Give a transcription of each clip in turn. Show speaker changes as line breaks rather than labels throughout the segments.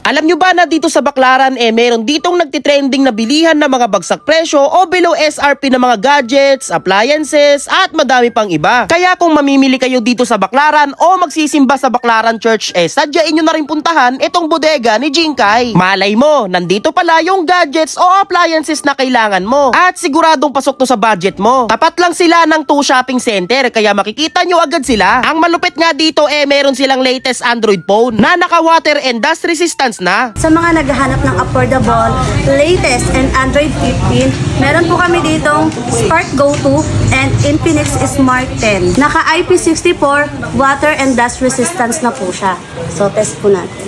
Alam nyo ba na dito sa Baclaran meron ditong nagtitrending na bilihan na mga bagsak presyo o below SRP na mga gadgets, appliances at madami pang iba. Kaya kung mamimili kayo dito sa Baclaran o magsisimba sa Baclaran Church sadyain nyo na rin puntahan itong bodega ni Jinkai. Malay mo, nandito pala yung gadgets o appliances na kailangan mo at siguradong pasok to sa budget mo. Tapat lang sila ng 2 shopping center kaya makikita nyo agad sila. Ang malupit nga dito meron silang latest Android phone na naka water and dust resistance na.
Sa mga naghahanap ng affordable, latest and Android 15, meron po kami ditong Spark Go 2 and Infinix Smart 10. Naka IP64 water and dust resistance na po siya. So test po natin.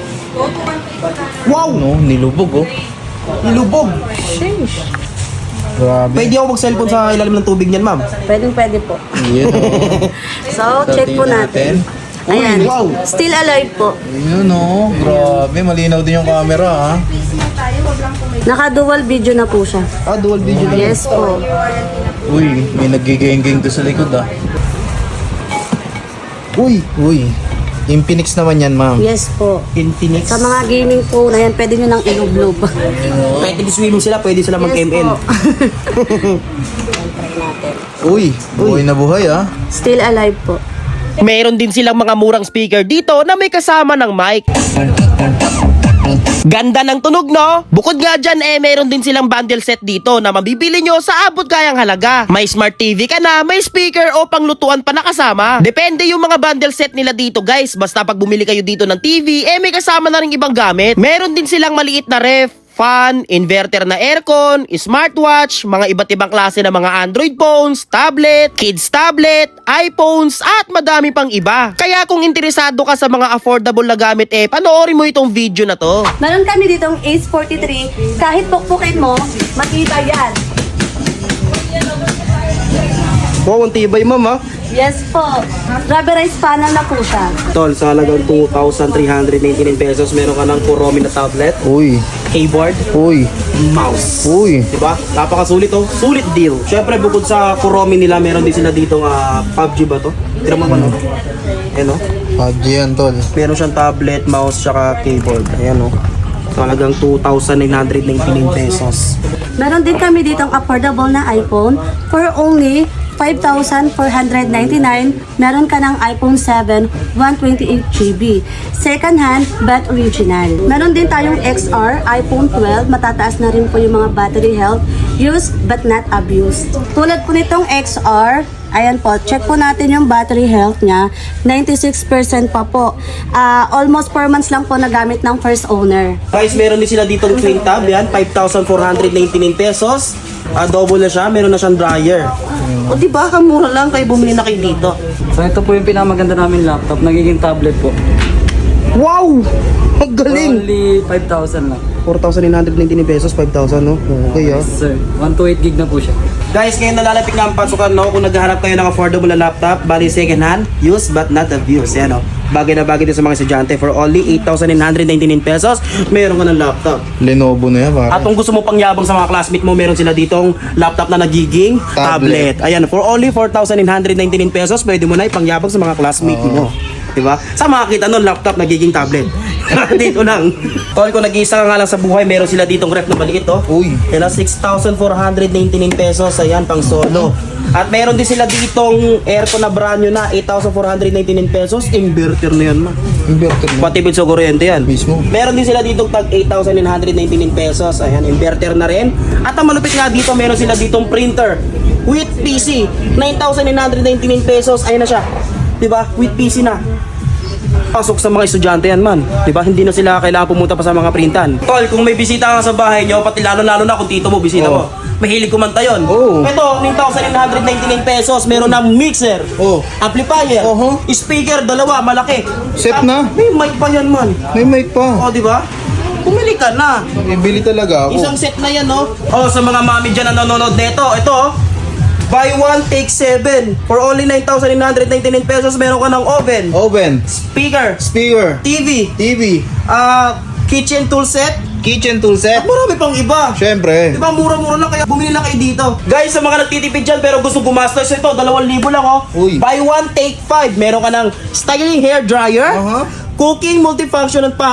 Wow!
No, nilubog oh.
Nilubog!
Grabe.
Pwede ako mag-cellphone sa ilalim ng tubig niyan, ma'am.
Pwede po.
Yan oh.
So check po natin. Ayan.
wow.
Still alive po.
Yun oh. Grabe, malinaw din yung camera ha.
Naka dual video na po siya.
Ah, dual video na.
Yes po.
Uy, may nagiging-ging doon sa likod ah. Uy. Infinix naman yan ma'am.
Yes po.
Infinix.
Sa mga gaming phone, ayan, pwede nyo nang ilublob.
Pwede swimming sila, pwede sila mag-ML.
Uy, buhay na buhay ah.
Still alive po.
Meron din silang mga murang speaker dito na may kasama ng mic. Ganda ng tunog, no? Bukod nga dyan, meron din silang bundle set dito na mabibili nyo sa abot kayang halaga. May smart TV ka na, may speaker o panglutuan pa na kasama. Depende yung mga bundle set nila dito, guys. Basta pag bumili kayo dito ng TV, may kasama na rin ibang gamit. Meron din silang maliit na ref, fan, inverter na aircon, smartwatch, mga iba't ibang klase ng mga Android phones, tablet, kids tablet, iPhones, at madami pang iba. Kaya kung interesado ka sa mga affordable na gamit panoorin mo itong video na to.
Meron kami ditong Ace 43. Kahit pukpukin mo, makita yan.
Wow, ang tibay, ma'am, ha?
Yes po. Rubberized panel na po siya.
Tol, sa halagang 2,399 pesos, meron ka ng Kuromi na tablet,
Uy,
keyboard, mouse.
uy.
Diba? Napakasulit oh. Sulit deal. Syempre bukod sa Kuromi nila, meron din sila dito PUBG ba to? Tira mo ba no? Ayan oh.
PUBG yan tol.
Meron siyang tablet, mouse, tsaka keyboard. Ayan oh. So, halagang 2,999 pesos.
Meron din kami ditong affordable na iPhone for only 5,499. Meron ka ng iPhone 7, 128GB. Second hand, but original. Meron din tayong XR, iPhone 12. Matataas na rin po yung mga battery health. Used but not abused. Tulad po nitong XR, ayan po, check po natin yung battery health niya. 96% pa po. Almost 4 months lang po nagamit ng first owner.
Guys, meron din sila dito twin tab. Yan, 5,499 pesos. Double na siya. Meron na siyang dryer. O diba, kamura lang kayo bumili na kayo dito.
So ito po yung pinakamaganda namin laptop, nagiging tablet po.
Wow! Ang
For
galing!
only 5,000 lang.
4,999 pesos, 5,000 no? Okay ah.
Yes, sir. 128 gig na po siya.
Guys, ngayon nalalapit nga ang pasukan, no? Kung naghahanap kayo ng affordable na laptop, bali second hand, used but not abused. Yan, no? Bagay na bagay din sa mga estudyante. For only 8,999 pesos, meron ka ng laptop.
Lenovo na yan pare.
At kung gusto mo pangyabang sa mga classmate mo, meron sila ditong laptop na nagiging tablet. Ayan, for only 4,999 pesos, pwede mo na ipangyabang sa mga classmate mo. Diba? Sa makakita nun, laptop nagiging tablet. Dito lang. Tol, kung nag-iisa ka nga lang sa buhay, meron sila ditong ref na maliit, oh.
Uy.
Yan ang 6,499 pesos. Ayan, pang solo. At meron din sila ditong aircon na brand new na 8,499 pesos. Inverter na yan, ma.
Inverter na.
Pati sa kuryente yan.
Mismo.
Meron din sila ditong tag 8,999 pesos. Ayan, inverter na rin. At ang malupit nga dito, meron sila ditong printer with PC. 9,999 pesos. Ayan na siya. Diba? With PC na. Pasok sa mga estudyante yan man. Diba? Hindi na sila kailangan pumunta pa sa mga printan. Tol, kung may bisita ka sa bahay nyo, pati lalo-lalo na kung tito mo, bisita mo. Mahilig kumanta yun.
Oo.
Ito, 9,999 pesos. Meron na mixer, amplifier, speaker, dalawa, malaki.
Set na.
May mic pa yan man.
May mic pa.
O, diba? Bumili ka na.
Ibili talaga ako.
Isang set na yan, no? O, sa mga mami dyan na nanonood neto, ito, buy one, take 7. For only 9,999 pesos, meron ka ng oven,
Oven.
speaker,
Speaker.
TV,
TV.
kitchen tool set,
Kitchen tool set.
at marami pang iba.
Siyempre.
Diba, mura-mura lang, kaya bumili na kayo dito. Guys, sa mga nagtitipid dyan pero gusto gumastos, ito, 2,000 lang, oh.
Uy.
Buy one, take 5. Meron ka ng styling hair dryer, cooking multifunction at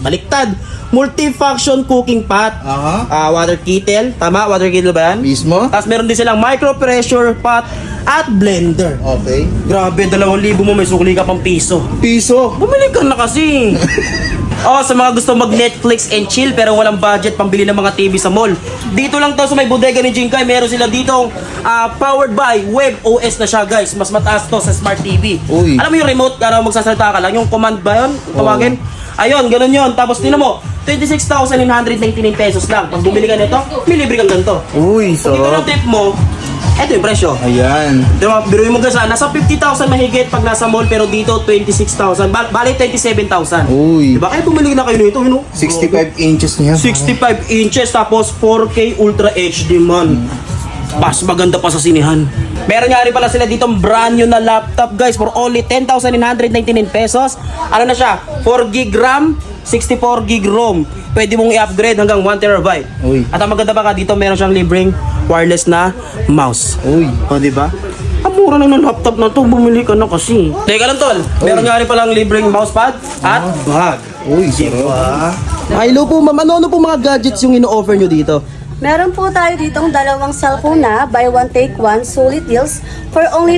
baliktad. Multifunction cooking pot.
Aha.
Water kettle. Tama? Water kettle ba yan?
Mismo?
Tapos meron din silang micro pressure pot at blender.
Okay.
Grabe, 2,000 mo may sukli ka pang piso.
Piso.
Bumili ka na kasi. Sa mga gusto mag Netflix and chill pero walang budget pambili ng mga TV sa mall. Dito lang to sa may bodega ni Jinkai. Meron sila ditong powered by Web OS na siya, guys. Mas mataas to sa Smart TV.
Uy.
Alam mo yung remote, magsasalita ka lang. Yung command ba yun? Tawagin? Ayun, ganun yun. Tapos tinan mo, 26,999 pesos lang. Pag bumili ka nito, may libre kang ganito.
Uy,
Kung ito yung tip mo, eto yung presyo.
Ayan.
Diba, biruin mo guys, nasa 50,000 mahigit pag nasa mall, pero dito 26,000. Bali 27,000.
Uy.
Diba? Kaya bumili na kayo nito,
65 inches niya.
65 inches tapos 4K Ultra HD man. Mas maganda pa sa sinihan. Meron nga rin pala sila dito brand new na laptop, guys, for only 10,999 pesos. Ano na siya? 4GB RAM, 64GB ROM. Pwede mong i-upgrade hanggang 1TB.
Uy.
At ang maganda pa ka dito, meron siyang libreng wireless na mouse.
Uy.
O, diba? Ang mura lang ng laptop na to, bumili ka na kasi. Teka lang, tol. Meron nga rin palang libreng mousepad at bag.
Uy, sarap.
Ay, hello po, ma'am. Ano po mga gadgets yung ino-offer nyo dito?
Meron po tayo ditong dalawang cellphone na buy one take one solid deals for only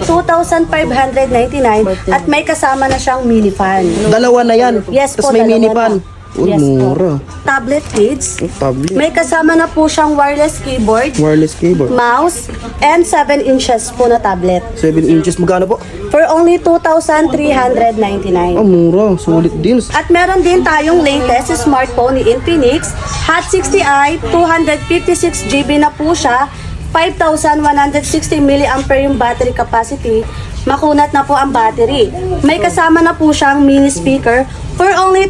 2,599 at may kasama na siyang mini fan.
Dalawa na yan.
Yes
Tapos
po,
may
dalawa
mini
na.
pan. Uy,
Yes po.
mura.
Tablet kids.
Tablet.
May kasama na po siyang wireless keyboard,
Wireless keyboard.
mouse, and 7 inches po na tablet.
7 inches. Magkano po?
For only 2,399.
Mura. Sulit deals.
At meron din tayong latest smartphone ni Infinix, Hot 60i, 256GB na po siya, 5,160 mAh yung battery capacity. Makunat na po ang battery. May kasama na po siyang mini speaker for only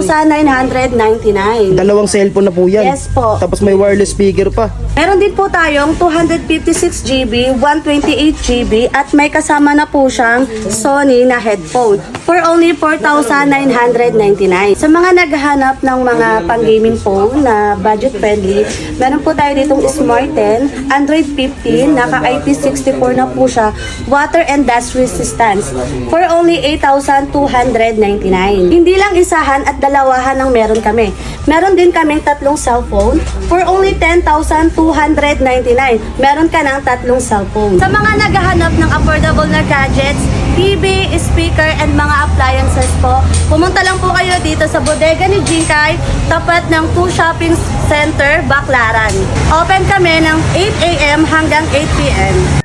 10,999.
Dalawang cellphone na po yan.
Yes po.
Tapos may wireless speaker pa.
Meron din po tayong 256GB, 128GB at may kasama na po siyang Sony na headphone for only 4,999. Sa mga naghahanap ng mga pang-gaming phone na budget friendly, meron po tayo ditong Smart 10, Android 15, naka IP64 na po siya, water and dust resistance for only 8,299. Hindi lang isahan at dalawahan ang meron kami. Meron din kaming tatlong cellphone for only 10,299. Meron ka ng tatlong cellphone. Sa mga naghahanap ng affordable na gadgets, TV, speaker, and mga appliances po, pumunta lang po kayo dito sa bodega ni Jinkai, tapat ng 2 Shopping Center, Baclaran. Open kami ng 8 a.m. hanggang 8 p.m.